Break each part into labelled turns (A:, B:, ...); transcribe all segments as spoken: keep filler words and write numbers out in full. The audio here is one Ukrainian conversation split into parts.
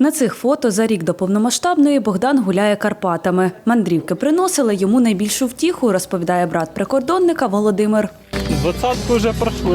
A: На цих фото за рік до повномасштабної Богдан гуляє Карпатами. Мандрівки приносили йому найбільшу втіху, розповідає брат прикордонника Володимир.
B: Двадцятку вже пройшли.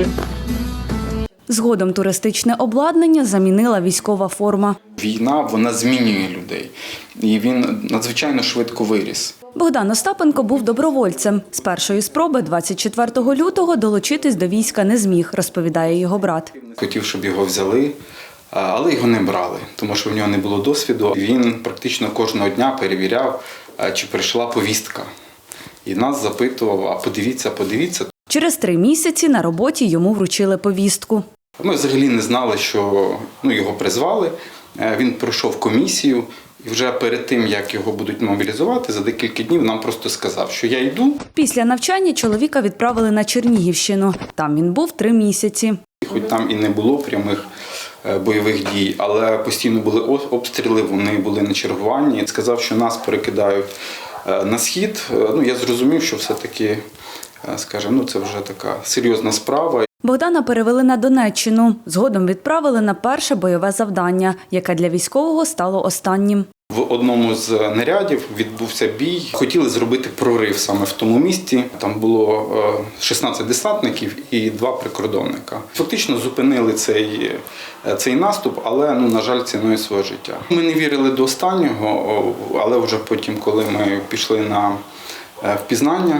A: Згодом туристичне обладнання замінила військова форма.
C: Війна, вона змінює людей. І він надзвичайно швидко виріс.
A: Богдан Остапенко був добровольцем. З першої спроби двадцять четвертого лютого долучитись до війська не зміг, розповідає його брат.
C: Хотів, щоб його взяли, але його не брали, тому що в нього не було досвіду. Він практично кожного дня перевіряв, чи прийшла повістка. І нас запитував, а подивіться, подивіться.
A: Через три місяці на роботі йому вручили повістку.
C: Ми взагалі не знали, що ну, його призвали. Він пройшов комісію. І вже перед тим, як його будуть мобілізувати, за декілька днів нам просто сказав, що я йду.
A: Після навчання чоловіка відправили на Чернігівщину. Там він був три місяці.
C: Хоч там і не було прямих бойових дій, але постійно були обстріли, вони були на чергуванні. Сказав, що нас перекидають на схід. Ну, я зрозумів, що все-таки, скажімо, ну, це вже така серйозна справа.
A: Богдана перевели на Донеччину. Згодом відправили на перше бойове завдання, яке для військового стало останнім.
C: В одному з нарядів відбувся бій. Хотіли зробити прорив саме в тому місці. Там було шістнадцять десантників і два прикордонника. Фактично зупинили цей, цей наступ, але, ну, на жаль, ціною свого життя. Ми не вірили до останнього, але вже потім, коли ми пішли на впізнання,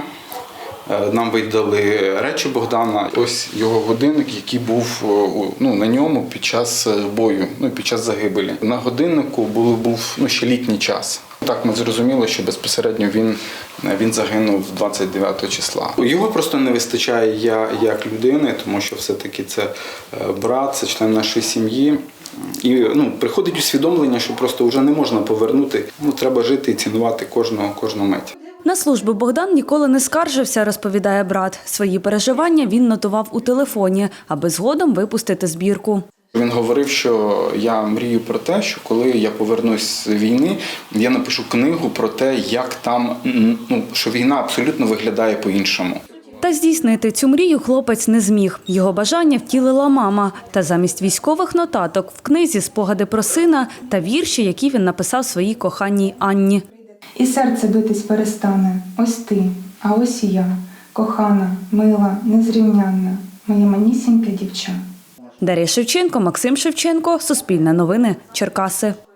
C: нам видали речі Богдана. Ось його годинник, який був ну, на ньому під час бою, ну, під час загибелі. На годиннику був, був ну, ще літній час. Так ми зрозуміли, що безпосередньо він, він загинув двадцять дев'ятого числа. Його просто не вистачає я як людини, тому що все-таки це брат, це член нашої сім'ї. І ну, приходить усвідомлення, що просто вже не можна повернути. Ну, треба жити і цінувати кожного, кожну мить.
A: На службу Богдан ніколи не скаржився, розповідає брат. Свої переживання він нотував у телефоні, аби згодом випустити збірку.
C: Він говорив, що я мрію про те, що коли я повернусь з війни, я напишу книгу про те, як там, ну, що війна абсолютно виглядає по-іншому.
A: Та здійснити цю мрію хлопець не зміг. Його бажання втілила мама. Та замість військових нотаток в книзі спогади про сина та вірші, які він написав своїй коханій Анні.
D: І серце битись перестане, ось ти, а ось і я, кохана, мила, незрівнянна, моє манісіньке дівча.
A: Дар'я Шевченко, Максим Шевченко, Суспільне новини, Черкаси.